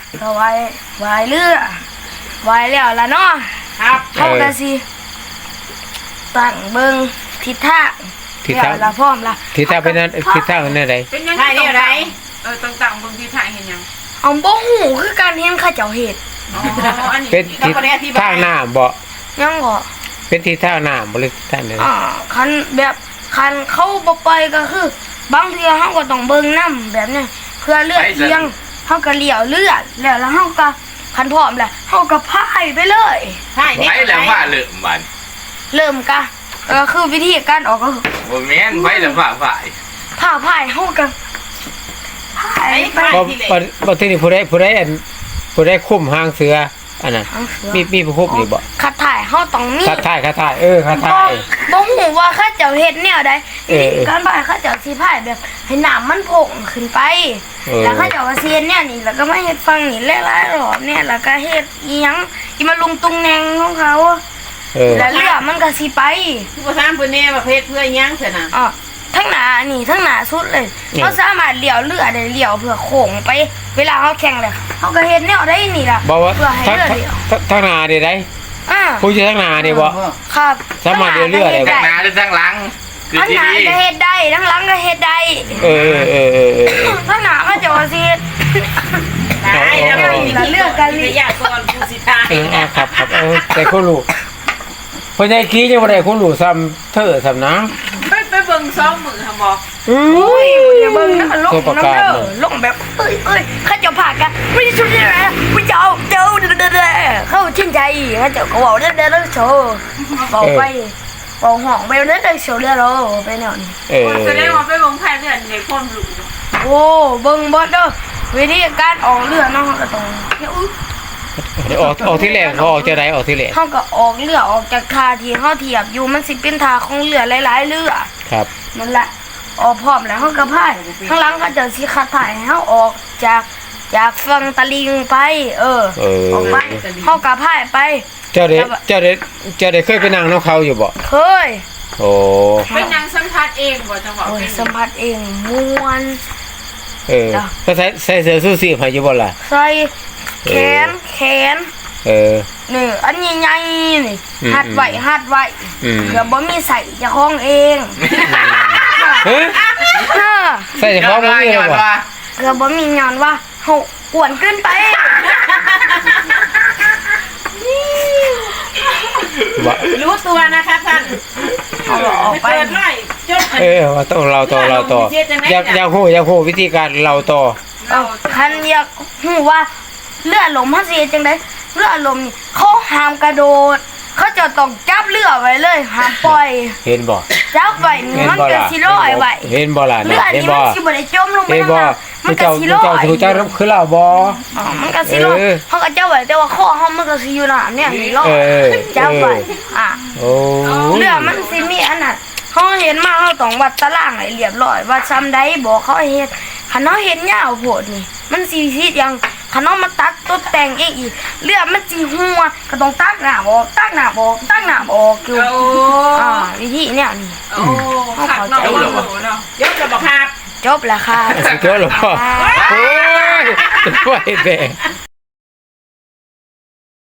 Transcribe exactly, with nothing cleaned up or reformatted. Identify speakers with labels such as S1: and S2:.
S1: ก็ไว้ไว้เรือไว้แล้วล่ะเนาะครับเฮาก็สิตั้งเบิ่งทิศทางทิศทางละพร้อมละ
S2: ทิศทางเป็นนั้นทิศทางเป็นอะไร
S3: เป็นยังไงอะไรเออต่างๆเบิ่งทิศทางเห็นยัง
S1: เอาบ่ฮู้คือการเห็นเขาเจ้าเฮ็ด
S3: อ๋ออันนี้
S2: เป็นทิศทางน้ำบ่
S1: ยังบ่
S2: เป็นทิศทางน้ำบ่หรือทางไหน
S1: อ่าคันแบบคันเขาบ่ไปก็คือบางเทื่อเฮาก็ต้องเบิ่งนำแบบนี้เพื่อเลือดเอียงเฮาก็เลี้ยวเลือดแล้วแล้วเฮาก็คันพร้อมแล้วเฮาก็พายไปเลย
S3: พาย
S4: ไปแล้วว่าเริ่มบัด
S1: เริ่มกะก็คือวิธีการออกก็
S4: บ่แม่นไปแล้วว่าพาย
S1: พาพายเฮาก็พายไป
S2: บ่บ่ที่นี่ผู้ใดผู้ใดอันผู้ใดคุ้มหางเสืออันนั้นมีมีผู้คุมนี่บ่
S1: คัดถ่ายเฮาต้องมี
S2: คัดถ่ายคัดถ่ายเออคัดถ่าย
S1: บ่ฮู้ว่าเขาเจ้าเฮ็ดแนวใดการพายเขาเจ้าสิพายแบบให้น้ำมันโผงขึ้นไปแล้วเขาเจ้าว่าสิเฮ็ดแนวนี้แล้วก็มาเฮ็ดฝั่งนี้หลายๆรอบเนี่ยแล้วก็เฮ็ดอีหยังอีมาลุงตุงแนงของเขาเออแล้วเรือมันก็สิไป
S3: บ่ถามเพิ่นแน่ว่าเฮ็ดเพื่อหยังซั่นน่ะ
S1: อ๋อทั้งหน้านี่ทั้งหน้าสุดเลยเขาสามารถเลี้ยวเรือได้เลี้ยวเพื่อโค้งไปเวลาเขาแข่งเลยเขาก็เฮ็ดแนวได้นี่ล่ะ
S2: เพื่อให้เรือเลี้ยวทั้งหน้าได้ได้
S1: อ่า
S2: ผู้อยู่ทั้งหน้านี่บ่
S1: ครับ
S2: สามารถเลี้ยวเรือได้
S4: ทั้งหน้าหรือทั้งหลัง
S1: คือทั้งหน้าก็เฮ็ดได้ทั้งหลังก็เฮ็ดได้
S2: เออเออเออ
S1: ทั้งหน้าก็จะว่าสิ
S3: ได้แล้วมีเลือกกันวิทยากรผู้สิทาย
S2: เออครับครับเออแต่คนรู้เพิ่นได้ขี้จังบ่ได้คนรู้ซ้ำเธอซ้ำน้
S3: ำไปไปเบิ่งซ้อมมือหั่นบ่
S1: อุ้ยอย่าเบิ่งนะมันลงน้ำเด้อลงแบบเอ้ยเอ้ยเขาจะพากันไม่ได้สุดเลยนะไม่เจ้าเจ้าเด้อๆเข้าชื่นใจเขาจะก็เว้าเด้อๆโชว์เว้าไปเว้าห้องไปเด้อๆโชว์เด้อๆไปแนวนี้
S2: เออ
S3: แสดงว่าไปเบิ่งพายเรือในความรู้
S1: โอ้เบิ่งบ่เด้อวิธีการออกเรือเนาะก็ต้องอุ๊ย
S2: ออกออกที่แรกเขาออกจะได้ออกที่แรก
S1: เขาก็ออกเรือออกจากท่าที่เขาเทียบอยู่มันสิเป็นท่าของเรือหลายๆเรือ
S2: ครับ
S1: นั่นแหละออกพร้อมแล้วเขาก็พายข้างหลังเขาจะสิคัดถ่ายให้เขาออกจากจากฝั่งตะลิงไปเออออกไปเขาก็พายไป
S2: เจ้าเด็ดเจ้าเด็ดเจ้าเด็ดเคยไปนั่งน้ำเขาอยู่บ่
S1: เคย
S2: โอ้
S3: ไปนั่งสัมผัสเองบ่จังหวะ
S1: สัมผัสเองม้วน
S2: เออก็ใส่ใส่เสื้อสู้สีให้อยู่บ่ล่ะ
S1: ใส่แขนแขน
S2: เออ
S1: นี่อันใหญ่ๆนี่หัดไว้หัดไว้เกือบบ่มีใส่เจ้าของเอง
S2: เฮ้ยใส่เฉพาะบ่มีเลยว่ะ
S1: เกือบบ่มีย้อนว่าเฮากวนเกินไป
S3: รู้ตัวนะคะท่าน
S1: เอาออกไป
S3: หน่อยจบ
S2: เออว่าต้องเราต่อเราต่ออยากอยากฮู้อยากฮู้วิธีการเราต่อ
S1: คันอยากฮู้ว่าเรือลมเฮาสิเฮ็ดจังได๋เรือลมนี่เขาห้ามกระโดดเขาจะต้องจับเรือไว้เลยห้ามปล่อย
S2: เห็นบ่
S1: จับไว้นี่มันก็สิลอยไว้
S2: เห็นบ่ล่ะ
S1: เรือนี่มันสิบ่ได้จมลงไป
S2: น้ำมันก็สิลอยเจ้าเจ้าคือเราบ่
S1: อ๋อมันก็สิลอยเฮาก็จับไว้แต่ว่าคอเฮามันก็สิอยู่น้ำเนี่ยนี่ลอยจับไว้อ่ะ
S2: โอ้
S1: เรือมันสิมีอันนั้นเฮาเห็นมาเฮาต้องวัดตารางให้เรียบร้อยว่าซ้ำใดบ่เขาเฮ็ดคันเฮาเฮ็ดยาวโพดนี่มันสิสิอย่างคันเฮามาตัดตกแต่งเองอีกเรือมันสิหัวก็ต้องตักน้ำออกตักน้ำออกตักน้ำออกอยู่อ่าวิธีเนี่ยนี่
S3: โอ้ขัดเนาะเนาะยกจะบอกครับ
S1: จบแล้วค่ะ
S2: จบแล้วพ่อโอ้ยช่วยแม่